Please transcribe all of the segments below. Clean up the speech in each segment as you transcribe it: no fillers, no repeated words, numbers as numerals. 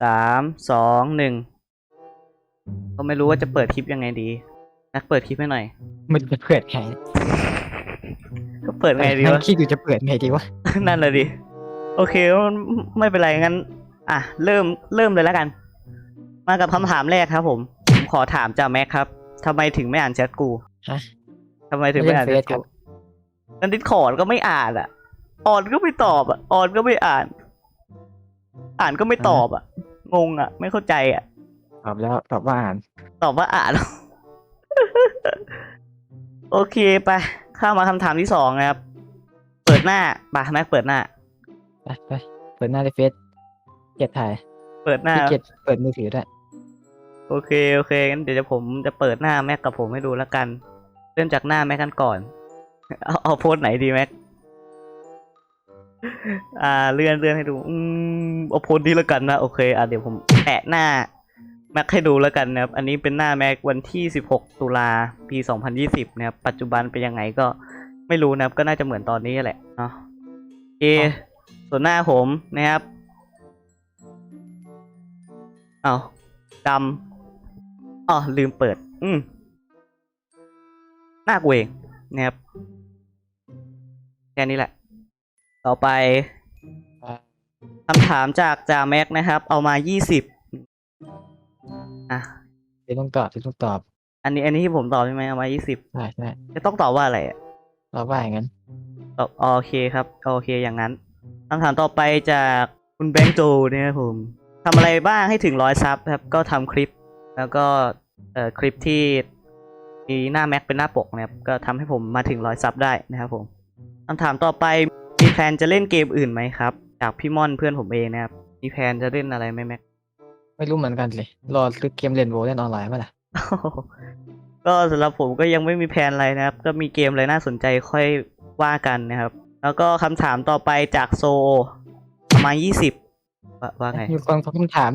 3 2 1ก็ไม่รู้ว่าจะเปิดคลิปยังไงดีนักเปิดคลิปให้หน่อยมันจะเปิดไงก็เปิดไงดีนั่วะงคิดอยู่จะเปิดไงดีวะนั่นเลยดิโอเคไม่เป็นไรงั้นอ่ะเริ่มเลยแล้วกัน มากับคำถามแรกครับผมขอถามจากแม็กครับทำไมถึงไม่อ่านแชทกูฮะทำไมถึงไม่อ่านแชทกูนั่นดิสคอร์ดก็ไม่อ่านอ่ะออนก็ไม่ตอบอ่ะออนก็ไม่อ่าน อ่านก็ไม่ตอบอ่ะงงอ่ะ ไม่เข้าใจอ่ะตอบแล้วตอบว่าอ่านตอบว่าอ่าน โอเคไปเข้ามาคำถามที่สองนะครับ เปิดหน้าไปแม็กเปิดหน้าไปเปิดหน้าในเฟซเกียรถ่ายเปิดหน้าพี่เกียรเปิดมือถือด้วยโอเคงั้นเดี๋ยวผมจะเปิดหน้าแม็กกับผมให้ดูแล้วกัน เริ่มจากหน้าแม็กกันก่อน เอาโพสไหนดีแม็ก เลื่อนให้ดูเอาโพสนี้แล้วกันนะโอเคเดี๋ยวผมแปะหน้าแม็กให้ดูแล้วกันนะครับอันนี้เป็นหน้าแม็กวันที่16 ตุลาปี 2020นะครับปัจจุบันเป็นยังไงก็ไม่รู้นะครับก็น่าจะเหมือนตอนนี้แหละเนาะโอเคส่วนหน้าผมนะครับเอาดำลืมเปิดหน้ากูเองนะครับแค่นี้แหละต่อไปคำถามจากจ่าแม็กนะครับ เอามา20 เดี๋ยวต้องตอบอันนี้ที่ผมตอบใช่ไหมเอามา20 ใช่จะต้องตอบว่าอะไรอ่ะตอบว่าอย่างนั้นตอบโอเคครับโอเคอย่างนั้นคำถามต่อไปจากคุณแบงค์โจนะครับผมทำอะไรบ้างให้ถึง100 ซับครับก็ทำคลิป แล้วก็คลิปที่มีหน้าแม็กเป็นหน้าปกนะครับก็ทำให้ผมมาถึง100 ซับได้นะครับผมคำถามต่อไปมีแพลนจะเล่นเกมอื่นไหมครับจากพี่ม่อนเพื่อนผมเองนะครับมีแพลนจะเล่นอะไรไหมแม็กไม่รู้เหมือนกันเลยรอซื้อเกมเล่นโวเล่นออนไลน์มาล่ะก็สำหรับผมก็ยังไม่มีแพลนอะไรนะครับก็มีเกมอะไรน่าสนใจค่อยว่ากันนะครับแล้วก็คำถามต่อไปจากโซประมาณ20ว่าไงมีคนเขาคำถาม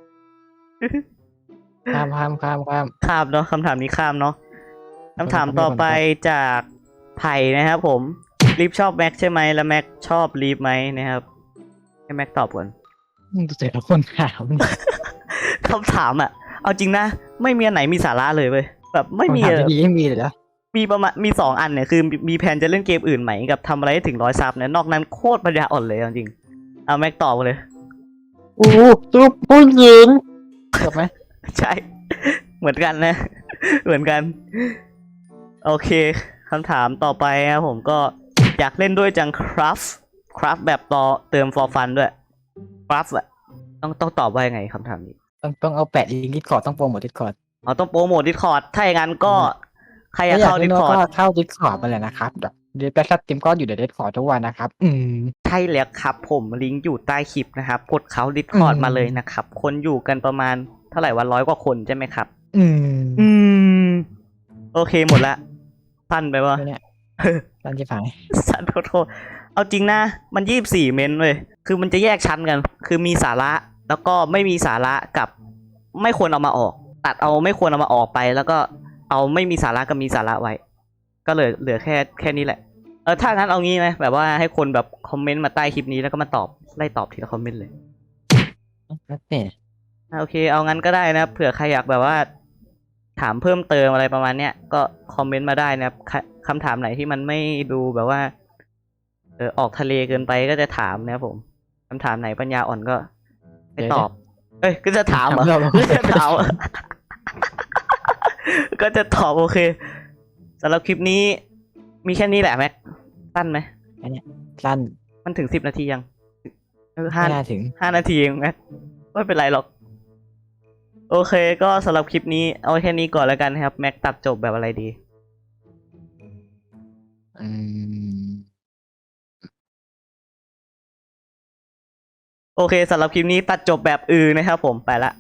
ข้ามข้ามเนาะคำถามนี้ข้ามเนาะคำถามต่อไปจากไผ่นะครับผมลีฟชอบแม็กใช่ไหมแล้วแม็กชอบลีฟไหมนะครับให้แม็กตอบก่อนดูแต่ละคนถามคำถามอ่ะเอาจริงนะไม่มีอันไหนมีสาระเลยเว้ยแบบไม่มีคำถามดีๆไม่มีเลยเหรอมีประมาณมี2 อันเนี่ยคือมีแผนจะเล่นเกมอื่นไหมกับทำอะไรให้ถึง100 ซับเนี่ยนอกนั้นโคตรปัญญาอ่อนเลยจริงเอาแม็กตอบเลยจุ๊บผู้หญิงจบไหมใช่ เหมือนกันนะ เหมือนกัน โอเคคำถามต่อไปครับผมก็อยากเล่นด้วยจังครับแบบต่อเติม for fun ด้วยครับอะต้องตอบว่ายังไงคำถามนี้ต้องเอาแปะลิงก์ดิสคอร์ดต้องโปรโมทดิสคอร์ดต้องโปรโมท Discord ถ้าอย่างนั้นก็ใครอยากเข้า Discord ก็เข้าดิสคอร์ดมาเลยนะครับเดี๋ยวแปะสตรีมก็อยู่ในดิสคอร์ดทุกวันนะครับใช่แล้วครับผมลิงก์อยู่ใต้คลิปนะครับกดเข้า Discord มาเลยนะครับคนอยู่กันประมาณเท่าไหร่วัน100 กว่าคนใช่ไหมครับโอเคหมดละสั้นไปวะเนี่ยตั้งใจฝังสั้นโทษเอาจริงนะมัน24 เมนเว้ยคือมันจะแยกชั้นกัน คือมีสาระแล้วก็ไม่มีสาระกับไม่ควรเอามาออก ตัดเอาไม่ควรเอามาออกไปแล้วก็เอาไม่มีสาระกับมีสาระไว้ ก็เหลือแค่นี้แหละถ้างั้นเอางี้ไหมแบบว่าให้คนแบบคอมเมนต์มาใต้คลิปนี้แล้วก็มาไล่ตอบทีละคอมเมนต์เลยเนี่ยโอเคเอางั้นก็ได้นะเผื่อใครอยากแบบว่า ถามเพิ่มเติมอะไรประมาณเนี้ยก็คอมเมนต์มาได้นะครับคำถามไหนที่มันไม่ดูแบบว่าออกทะเลเกินไปก็จะถามนะครับผมคำถามไหนปัญญาอ่อนก็ไม่ตอบก็จะถามเหรอก็จะถาม ก็จะตอบโอเคสำหรับคลิปนี้มีแค่นี้แหละแม็กสั้นไหมอันเนี้ยสั้นมันถึง10 นาทียังไม่น่าถึง 5 นาทีเองแม็กไม่เป็นไรหรอกโอเคก็สำหรับคลิปนี้เอาแค่นี้ก่อนแล้วกันครับแม็กตัดจบแบบอะไรดีโอเคสำหรับคลิปนี้ตัดจบแบบนะครับผมไปละ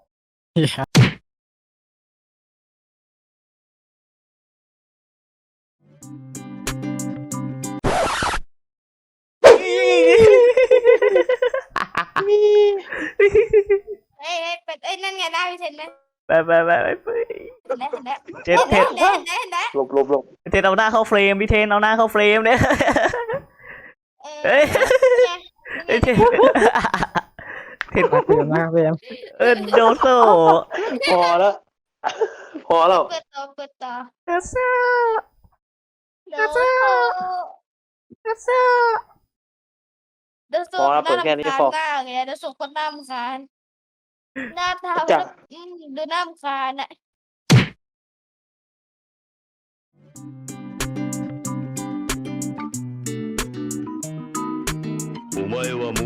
เอ้ยเป็ดเอ้ยนั่นไงได้พี่เทนเลยไปเห็นแล้วเจ็ดเทนเห็นแล้วหลบเทนเอาหน้าเข้าเฟรมพี่เทนเอาหน้าเข้าเฟรมเนี่ยเฮ้ยเทนเห็นน่าเบื่อมากเบื่อโดโซพอแล้ว พอแล้วเปิดต่อเปิดต่อโดโซเดี๋ยวโซโดโซเดี๋ยวโซพอแล้วเปิดแค่นี้พอหน้าไงเดี๋ยวโซคนหน้ารำคาญหน้าตาจ้ะดูหน้ารำคาญอ่ะお前はも